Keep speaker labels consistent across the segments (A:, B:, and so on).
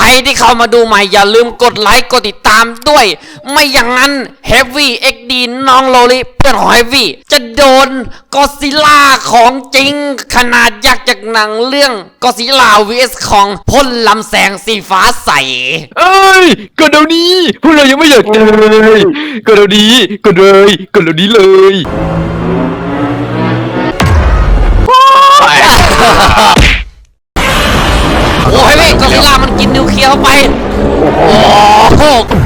A: ที่เข้ามาดูใหม่อย่าลืมกดไลค์กดติดตามด้วยไม่อย่างนั้น Heavy XD น้องโลลิเพื่อนของ Heavy จะโดนก็อดซิลล่าของจริงขนาดยักษ์จากหนังเรื่องก็อดซิลล่า vs ของพ่นลำแสงสีฟ้าใส
B: เอ้ยกดเดี๋ยวนี้พวกเรายังไม่อยากเจอกดเดี๋ยวนี้กดเลยกดเดี๋ยวนี้เลย
A: โอ้ยเว้ยก็อดซิลล่ามันกินนิวเคลียร์เข้าไปโอ้โห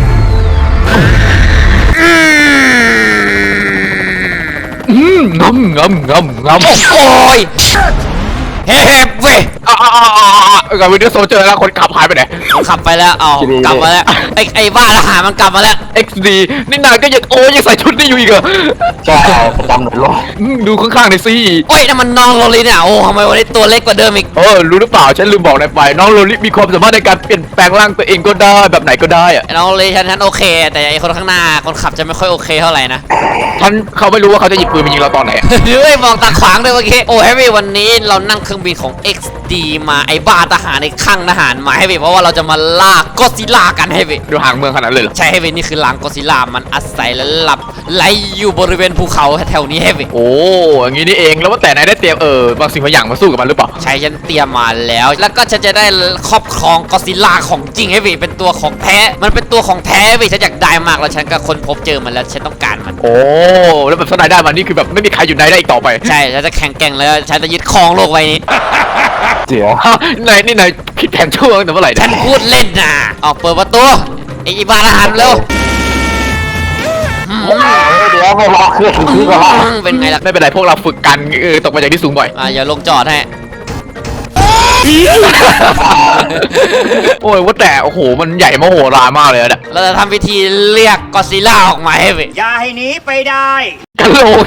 B: งำ
A: โอ้ยเฮ้เว้ย
B: กับวิดีโอโซเจอแล้วคนขับหายไปไหน
A: ขับไปแล้วเอากลับมาแล้วไอ้บ้าทหารมันกลับมาแล้ว
B: XD นี่นายก็ยังยังใส่ชุดนี้อยู่อีกเหรอ
C: ใช่ประจำหน่วยรบ
B: ดูข้างๆหน่อยสิ
A: โอ้ยนั่นมันน้องโรลิเนี่ยโอ้ทำไมวันนี้ตัวเล็กกว่าเดิมอีก
B: รู้หรือเปล่าฉันลืมบอกนายไปน้องโรลิมีความสามารถในการเปลี่ยนแปลงร่างตัวเองก็ได้แบบไหนก็ได้อะ
A: น้องโรลิฉันโอเคแต่ไอ้คนข้างหน้าคนขับจะไม่ค่อยโอเคเท่าไหร่นะ
B: เขาไม่รู้ว่าเขาจะหยิบปืนมายิงเราตอนไหน
A: เฮ้ยมองตาขวางด้วยเมื่อกี้โอ้เฮ้ยวันนี้เรานั่งเครื่องบินของ XD มาไอ้บ้าทหารในข้างทหารมาให้เว้ยเพราะว่าเราจะมาล่าก็อดซิลล่ากันให้เว้ย
B: ดูห่างเมืองขนาดเลยเหรอ
A: ใช่ให้เว้ยนี่คือหลังก็อดซิลล่ามันอาศัยและหลับไหลอยู่บริเวณภูเขาแถวนี้ให้เว้ย
B: โอ้อย่างนี้นี่เองแล้วว่าแต่นายได้เตรียมบางสิ่งบางอย่างมาสู้กับมันหรือเปล่า
A: ใช่ฉันเตรียมมาแล้วก็ฉันจะได้ครอบครองก็อดซิลล่าของจริงให้เว้ยเป็นตัวของแท้มันเป็นตัวของแท้เว้ยฉันอยากได้มากแล้วฉันก็ค้นพบเจอมันแล้วฉันต้องการมัน
B: โอ้แล้วแบบถ้านายได้มันนี่คือแบบไม่มีใครอยู่ในได้อีกต่อไป
A: ใช่ฉันจะแข่งแกร่งแล้วฉันจะยึดครองโลกไว้นี้
C: เดี๋ยวน
B: ายคิดแผนช่วงแต่เมื่อไหร่
A: ฉันพูดเล่นนะออกเปิดประตูไอ้บ้าทหารเร็ว
C: เดี๋ยวไม่รอเครื่องคือก่อน
A: เป็นไงล่ะ
B: ไม่เป็นไรพวกเราฝึกกันตกมาจากที่สูงบ่อย
A: อย่าลงจอดให้
B: โอ้ยว่าแต่โอ้โหมันใหญ่มโหฬารมากเลยนะ
A: เราจะทำพิธีเรียกก็อดซิลล่าออกมาให้เว้ย
D: อย่าให้หนีไปได้
B: กะโหลก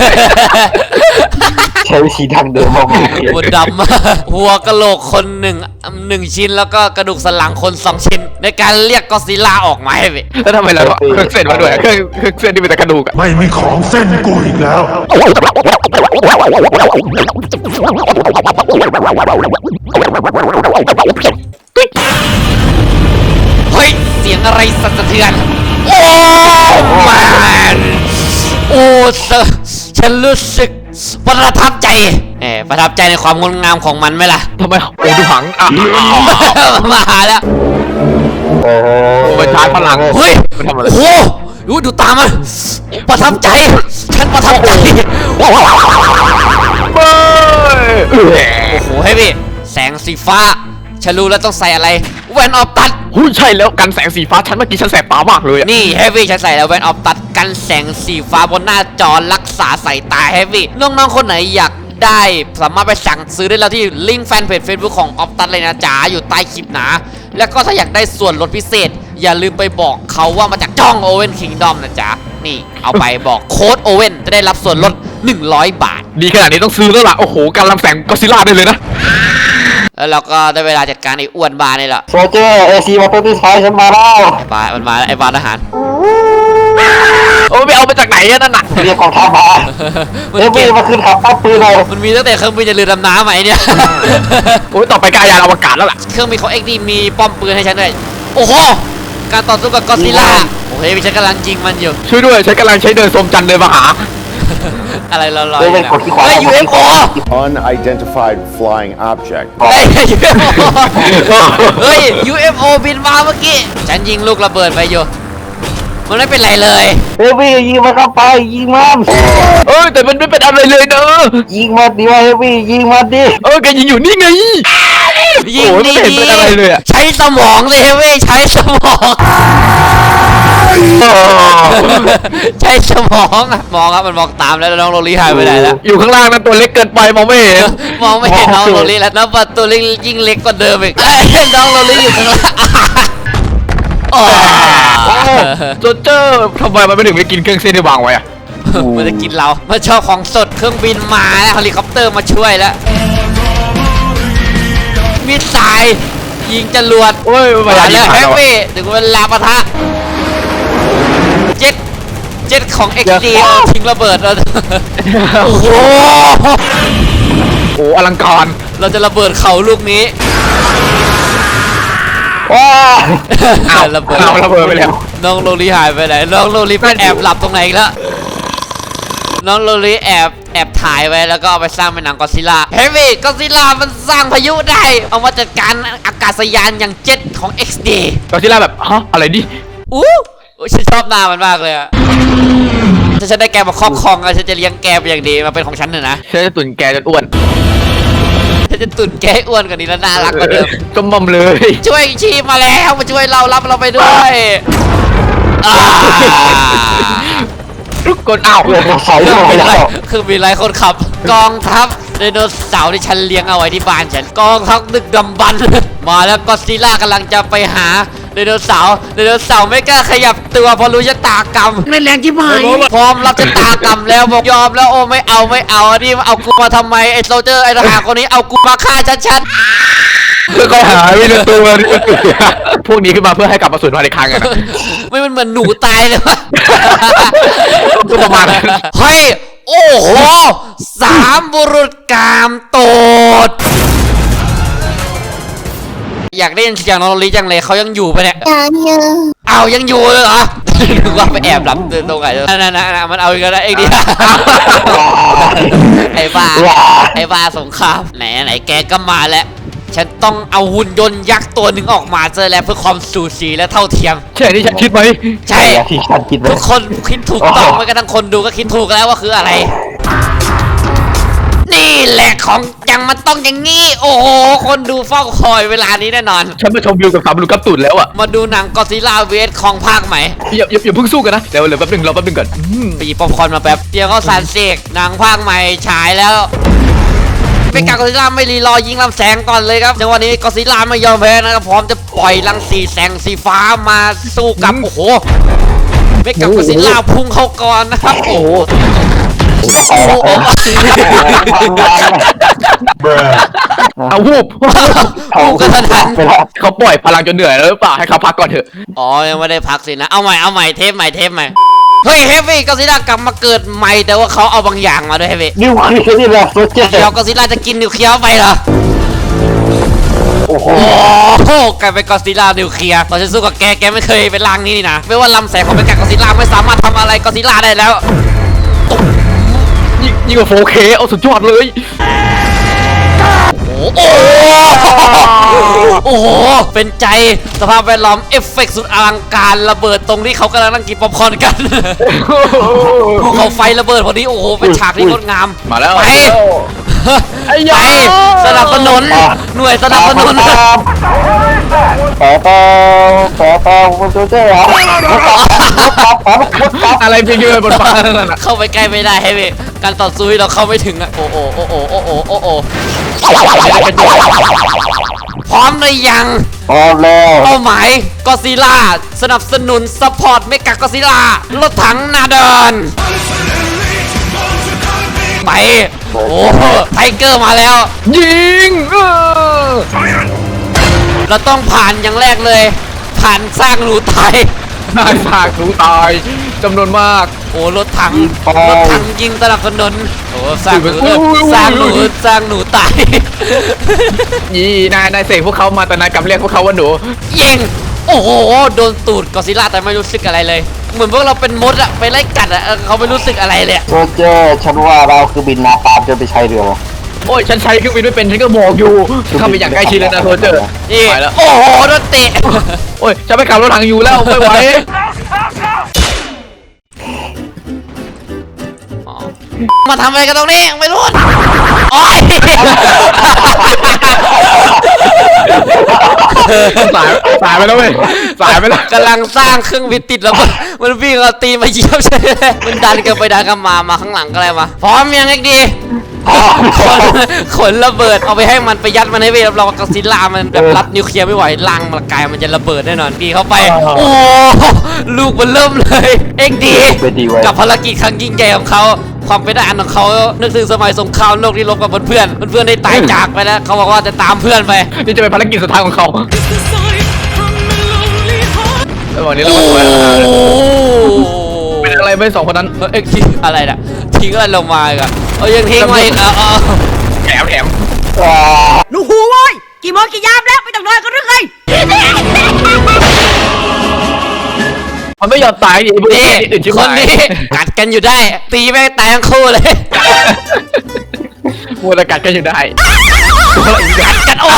C: ใช้วิธีดังเดิมมาก
A: หัวดำหัวกะโหลกคนหนึ่งชิ้นแล้วก็กระดูกสันหลังคน2ชิ้นในการเรียกก็อดซิลล่าออกมาให้เว้ย
B: แล้วทำไมเราเครื่องเส้นมาด้วยเครื่องเส้นที่เป็นแต่กระดูก
E: ไม่มีของเส้นกูอีกแล้ว
A: เฮ้ยเสียงอะไรสั่นสะเทือนโอ้แมนโอ้ฉันรู้สึกประทับใจประทับใจในความงดงามของมันไหมล่ะ
B: ทำไมโอ้ดูหัง
A: มาแล้ว
C: โอ้
B: มันชาร์จพลัง
A: เฮ้ย
B: มันทำอะไร
A: โอ้ดูตามมันประทับใจฉันประทับใจโอ้โหเฮ้ยพี่แสงสีฟ้าฉันรู้แล้วต้องใส่อะไรแว่นออฟตัด
B: ใช่แล้วกันแสงสีฟ้าฉันเมื่อกี้ฉันแสบตามากเลย
A: นี่เฮฟวี่ฉันใส่แล้วแว่นออฟตัดกันแสงสีฟ้าบนหน้าจอรักษาสายตาเฮฟวี่น้องๆคนไหนอยากได้สามารถไปสั่งซื้อได้แล้วที่ลิงก์แฟนเพจ Facebook ของออฟตัดเลยนะจ๊ะอยู่ใต้คลิปนะแล้วก็ถ้าอยากได้ส่วนลดพิเศษอย่าลืมไปบอกเขาว่ามาจากจ้องโอเว่นคิงดอมนะจ๊ะนี่เอาไปบอกโค้ดโอเว่นจะได้รับส่วนลด100 บาท
B: ดีขนาดนี้ต้องซื้อแล้วล่ะโอ้โหการลำแสงก็อดซิลล่าได้เลยนะ
A: แล้วเราก็ได้เวลาจัดการไอ้อ้วนบานี่แหละ
C: โซเจอร์AC มาเป็นที่ท้ายฉันมาแล้ว
A: มันมาแล้วไอ้บาทหาร
B: โอ้ไม่เอามาจากไหนนั่นน่ะ
C: เรียกกองทัพมาเฮ้ยมาขึ้นขับปั๊บปืนเลย
A: มันมีตั้งแต่เครื่องบินจะเรือดำน้ำไหมเนี่ย
B: โอ้ยต่อไปกายานอวกาศแล้วล่ะ
A: เครื่องบินของ XD มีป้อมปืนให้ฉันด้วยโอ้โหการต่อสู้กับก็อดซิลล่าโอ้โหฉันกำลังยิงมันอยู่
B: ช่วยด้วยฉันกำลังใช้เดินสมจันทร์เดินมาหา
A: อะไรลอยๆ
C: เฮ้ย
A: UFO
F: Unidentified flying object
A: เฮ้ย UFO บินมาเมื่อกี้ฉันยิงลูกระเบิดไปอยู่มันไม่เป็นไรเลย
C: เฮ้ยยิงมันเข้าไปยิงมัน
B: แต่มันไม่เป็นอะไรเลยเนอะ
C: ยิงมันดิวะเฮ้ยยิงมันดิ
B: แกยิงอยู่นี่ไง
A: ยิง
B: นี่เป็นอะไรเลยอะ
A: ใช้สมองเลยเว้ยใช้สมองใช้สมองมองครับมันมองตามแล้วน้องโรลี่หายไปไหนแล้ว
B: อยู่ข้างล่างนั้นตัวเล็กเกินไปมองไม่เห็น
A: น้องโรลี่แล้วประตูเล็กยิ่งเล็กกว่าเดิมอีกน้องโรลี่อยู่ข้างล่าง
B: โจเจอร์ทำไมมันไม่ถึงไปกินเครื่องเส้นที่วางไว้อะ
A: มันจะกินเรามันชอบของสดเครื่องบินมาแล้วเฮลิคอปเตอร์มาช่วยแล้วมิสไซล์ยิงจรวด
B: มา
A: แล้วแฮปปี้ถึงเวลาปะทะเจ็ตของ XD ทิ้งระเบิดแล้วโอ้โห
B: อลังการ
A: เราจะระเบิดเขาลูกนี้
C: ว้า
A: ระเบิด
B: เอาระเบิดไปแล้ว
A: น้องโลลีหายไปไหนน้องโลลีไปแอบหลับตรงไหนอีกแล้วน้องโลลีแอบถ่ายไว้แล้วก็เอาไปสร้างเป็นหนังก็อดซิลล่าเฮ้ยก็อดซิลล่ามันสร้างพายุได้เอามาจัดการอากาศยานอย่างเจ็ตของ XD
B: ก็ซิล่าแบบฮะอะไรดิ
A: ฉันชอบหน้ามันมากเลยอะถ้าฉันได้แกมาครอบครองอะฉันจะเลี้ยงแกเป็นอย่างดีมาเป็นของฉันเถอะนะ
B: ฉันจะตุ่นแกจนอ้วน
A: ฉันจะตุ่นแกให้อ้วนกว่านี้แล้วน่ารักกว่าเดิม
B: ก็มอมเลย
A: ช่วยชีพมาแล้วมาช่วยเรารับเราไปด้วยอ่า
B: ทุกคนอ้าว
C: ใส่เข้าไปแล้ว
A: คือมีหลายคนขับ กองทัพไดโนเสาร์ที่ฉันเลี้ยงเอาไว้ที่บ้านฉันกองทัพดึกดำบรรพ์มาแล้วก็อดซิลล่ากำลังจะไปหาไดโนเสาร์ไม่กล้าขยับตัวเพราะรู้ชะตากรรมไม่แรงจิ๋หายพร้อมรับชะตากรรมแล้วบอกยอมแล้วโอ้ไม่เอาอันนี้มาเอากูมาทำไมไอ้โซลเจอร์ไอ้ทหารคนนี้เอากูมาฆ่าฉัน
B: แล้วก็หายไปในตัวนี่พวกนี้ขึ้นมาเพื่อให้กลับมาสูญพันธุ์อีกครั้งอะนะ
A: ไม่มันเหมือนหนูตายเลยวะ
B: ก็ประมาณนั้น
A: เฮ้ย โอ้โห3 บุรุษกามโตด อยากได้ยินเสียงน้องโรลี่จังเลยเขายังอยู่ปะเนี่ยเอายังอยู่เลยเหรอ นึกว่าไปแอบหลับตรงไหนนั่นมันเอาอีกแล้วเองดิ ไอ้บ้าสงครามไหนแกก็มาแล้ว ฉันต้องเอาหุ่นยนต์ยักษ์ตัวหนึ่งออกมาเจอแล้วเพื่อความสูสีและเท่าเทียม
B: ใช่ที่ฉันคิดไหม
A: ใช่
C: ที่ฉันคิดไว้
A: ทุกคนคิดถูกต้องไม่กระทั่งคนดูก็คิดถูกแล้วว่าคืออะไร นี่แหละของจังมันต้องอย่างงี้ โอ้โห คนดูเฝ้าคอยเวลานี้แน่นอน
B: ฉันมาชมวิวกับสามลูกกับตุ่นแล้วอ่ะ
A: มาดูหนังก็อดซิลล่าเวสของภาคใหม่
B: อย่าเพิ่งสู้กันนะเดี๋ยวแป๊บนึงรอแป๊บนึงก่อน
A: ไปหยิบป๊อปคอร์นมาแป๊บเดี๋ยวเขาสารเสกหนังภาคใหม่ฉายแล้วเป็นการก็อดซิลล่าไม่รีรอยิงลำแสงก่อนเลยครับในวันนี้ก็อดซิลล่าไม่ยอมแพ้นะครับพร้อมจะปล่อยรังสีแสงสีฟ้ามาสู้กับโอ้โหเมกะก็อดซิลล่าพุ่งเข้าก่อนนะครับโอ้โห
B: เอาวูบ
A: พุ่งกระทัน
C: ไปแล้ว
B: เขาปล่อยพลังจนเหนื่อยแล้วหรือเปล่าให้เขาพักก่อนเถอะ
A: อ๋อยังไม่ได้พักสินะเอาใหม่เทปใหม่เฮ้ยเฮฟวี่ก็อดซิลล่ากลับมาเกิดใหม่แต่ว่าเขาเอาบางอย่างมาด้วยเฮฟวี่
C: นิวเคลียร์นี่แหละโซเจอร์
A: เดี๋ยวก็อดซิลล่าจะกินนิวเคลียร์ไปเหรอ
C: โอ้โห
A: โอ้โหกลายเป็นก็อดซิลล่านิวเคลียร์ตอนฉันสู้กับแกไม่เคยเป็นร่างนี้นี่นะไม่ว่าลำแสงของเป็นกาก็อดซิลล่าไม่สามารถทำอะไรก็อดซิลล่าได้แล้ว
B: ยิ่งกว่า 4K เอาสุดยอดเลย
A: โอ้โหเป็นใจสภาพแวดล้อมเอฟเฟกต์สุดอลังการระเบิดตรงที่เขากำลังนั่งกินป๊อปคอร์นกันภูเขาไฟระเบิดพอดีโอ้โหเป็นฉากที่งดงาม
B: มาแล้ว
A: ไปไปสนับสนุนหน่วยสนับสนุน
C: แต่โซเจอร์เหรอ
B: อะไรเพียงเยอะบนฟ้านั่นน่ะ
A: เข้าไปใกล้ไม่ได้ให้เว้ยการต่อสู้ที่เราเข้าไม่ถึงอะโอ้โพร้อมหรือยัง
C: พร้อมแล้ว
A: เป้าหมายก็อดซิลล่าสนับสนุนซัพพอร์ตเมกะก็อดซิลล่ารถถังนาเดินไปโอ้ไทเกอร์มาแล้ว
B: ยิง
A: เราต้องผ่านอย่างแรกเลย ผ่านสร้างหนูตาย
B: นายสากหนูตายจำนวนมาก
A: โอ้รถถังยิงสนับสนุนโอ้สร้างหนูตาย
B: นี่นายเสกพวกเขามาแต่นายกลับเรียกพวกเขาว่าหนู
A: ยิงโอ้โหโดนตูดก็อดซิลล่าแต่ไม่รู้สึกอะไรเลย เหมือนพวกเราเป็นมดอะไปไล่กัดอะเขาไม่รู้สึกอะไรเลย
C: โซเจอร์ฉันว่าเราคือบินนาตามจนไปใช้เรือ
B: โอ้ยฉันใช้เครื่องบินไม่เป็นฉันก็บอกอยู่เข้าไปอย่างใกล้ชิดเลยนะโทเจอร์
A: นี่
B: ไปแล้ว
A: โอ้โหโดนเตะ
B: โอ้ยฉันไปขับรถถังอยู่แล้วไม่ไหว
A: มาทำอะไรกันตรงนี้ไม่รู้โอ้ย
B: สายไปแล้วเว้ยสายไปแล้ว
A: กำลังสร้างเครื่องบินติดแล้วมันวิ่งเอาตีมาเหยียบใช่ไหมมันดันกันไปดันกันมาข้างหลังก็เลยมาพร้อมยังไงดีขนระเบิดเอาไปให้มันไปยัดมันให้เวรับรองว่าก็อดซิลล่ามันแบบรับนิวเคลียร์ไม่ไหวลังมันกายมันจะระเบิดแน่นอนดีเข้าไปโอ้ลูกมันเริ่มเลยเอ็กดีกับภารกิจครั้งยิ่งใหญ่ของเขาความเป็นทหารของเขานึกถึงสมัยสงครามโลกที่รบกับเพื่อนได้ตายจากไปแล้วเขาบอกว่าจะตามเพื่อนไป
B: นี่จะเป็นภารกิจสุดท้ายของเขาระหว่างนี้เราไปเป็นอะไรไม่สองคนนั้น
A: เอ็กทิ้งอะไรน่ะทิ้งอะไรลงมาอีกอะยังทิ้งมาอีกเอา
B: แถม
C: ว้า
D: หนูหูเว้ยกี่โมงกี่ยามแล้วไม่ต้องนอนกันหรือไง
B: มันไม่ยอมตายดิไอ้พวก
A: นี่
B: นี้อื่นชิบ
A: คน
B: หาย
A: นี้กัดกันอยู่ได้ ตีแม่งตายทั้งคู่เลย
B: มัวแต่กัดกันอยู่ได้
A: กันโอ้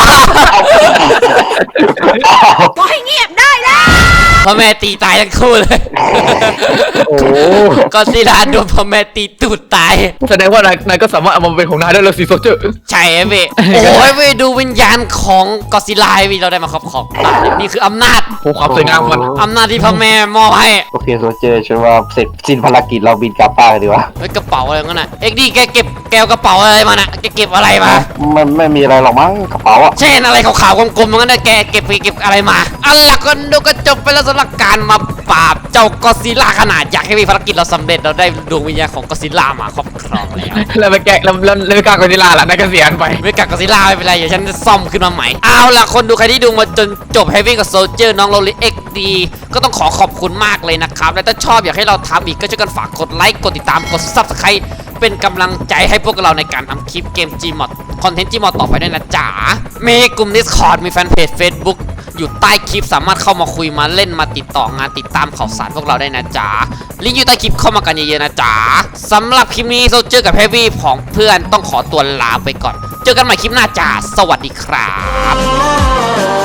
D: ก็ให้เงียบได้แล้ว
A: พ่อแม่ตีตายทั้งคู่เลย
B: โอ้
A: ก็ซิล่าโดนพ่อแม่ตีตูดตาย
B: แสดงว่านายก็สามารถเอามาเป็นของนายได้แล้วสิโซเจอร์
A: ใช่เว้ยโอ้ยเว้ยดูวิญญาณของกอซิล่าเว้ยเราได้มาครอบครองนี่คืออำนาจ
B: โอ้ความสวยงามมัน
A: อำนาจที่พ่อแม่มอบให้
C: โอเคโซเจอร์ฉันว่าเสร็จสิ้นภารกิจเราบินกลับบ้านกันดีกว่า
A: เฮ้ยกระเป๋าอะไรงั้นน่ะเอ็กดีแกเก็บแกวกระเป๋าอะไรมาน่ะแกเก็บอะไรมา
C: มันไม่มีอะไรหรอกมั้งกระเป๋าอะ
A: เช่นอะไรขาวๆกลมๆงั้นน่ะแกเก็บอะไรมาอันละก็ดูก็จบไปแล้วสำหรับการมาปราบเจ้ากอซิล่าขนาดอยากให้มีภารกิจเราสำเร็จเราได้ดวงวิญญาณของกอซิล่ามาครอบครองแล้ว
B: แล้วไปแกะแล้วไม่กล้ากอซิลล่าล่ะนายก็เสียไป
A: ไม่กัดกอซิล่าไม่เป็นไรเดี๋ยวฉันจะซ่อมขึ้นมาใหม่เอาล่ะคนดูใครที่ดูมาจนจบ Heavy กับ Soldier น้องโรลิเอ็กดีก็ต้องขอบคุณมากเลยนะครับและถ้าชอบอยากให้เราทำอีกก็ช่วยกันฝากกดไลค์กดติดตามกด Subscribe เป็นกำลังใจให้พวกเราในการทำคลิปเกม Gmod คอนเทนต์ Gmod ต่อไปด้วยนะจ๋ามีกลุ่ม Discord มีแฟนเพจ Facebook อยู่ใต้คลิปสามารถเข้ามาคุยมาเล่นมาติดต่องานติดตามข่าวสารพวกเราได้นะจ๊ะลิงก์อยู่ใต้คลิปเข้ามากันเยอะๆนะจ๊ะสำหรับคลิปนี้โซเจอร์กับ Heavy ของเพื่อนต้องขอตัวลาไปก่อน เจอกันใหม่คลิปหน้าจ้าสวัสดีครับ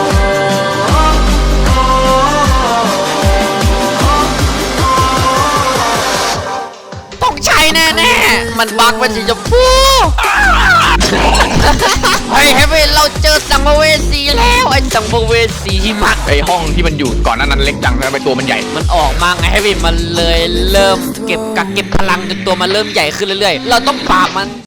A: ต้องใช้แน่ๆมันบักเป็นสีชมพูเฮ้ย Heavy เราเจอสังเวสีแล้วไอ้สังเวสีหิมะ
B: ไอห้องที่มันอยู่ก่อนหนานั้นเล็กจังแล้วไปตัวมันใหญ่
A: มันออกมาไงให้วินมันเลยเริ่มเก็บพลังจนตัวมันเริ่มใหญ่ขึ้นเรื่อยๆ เราต้องปราบมัน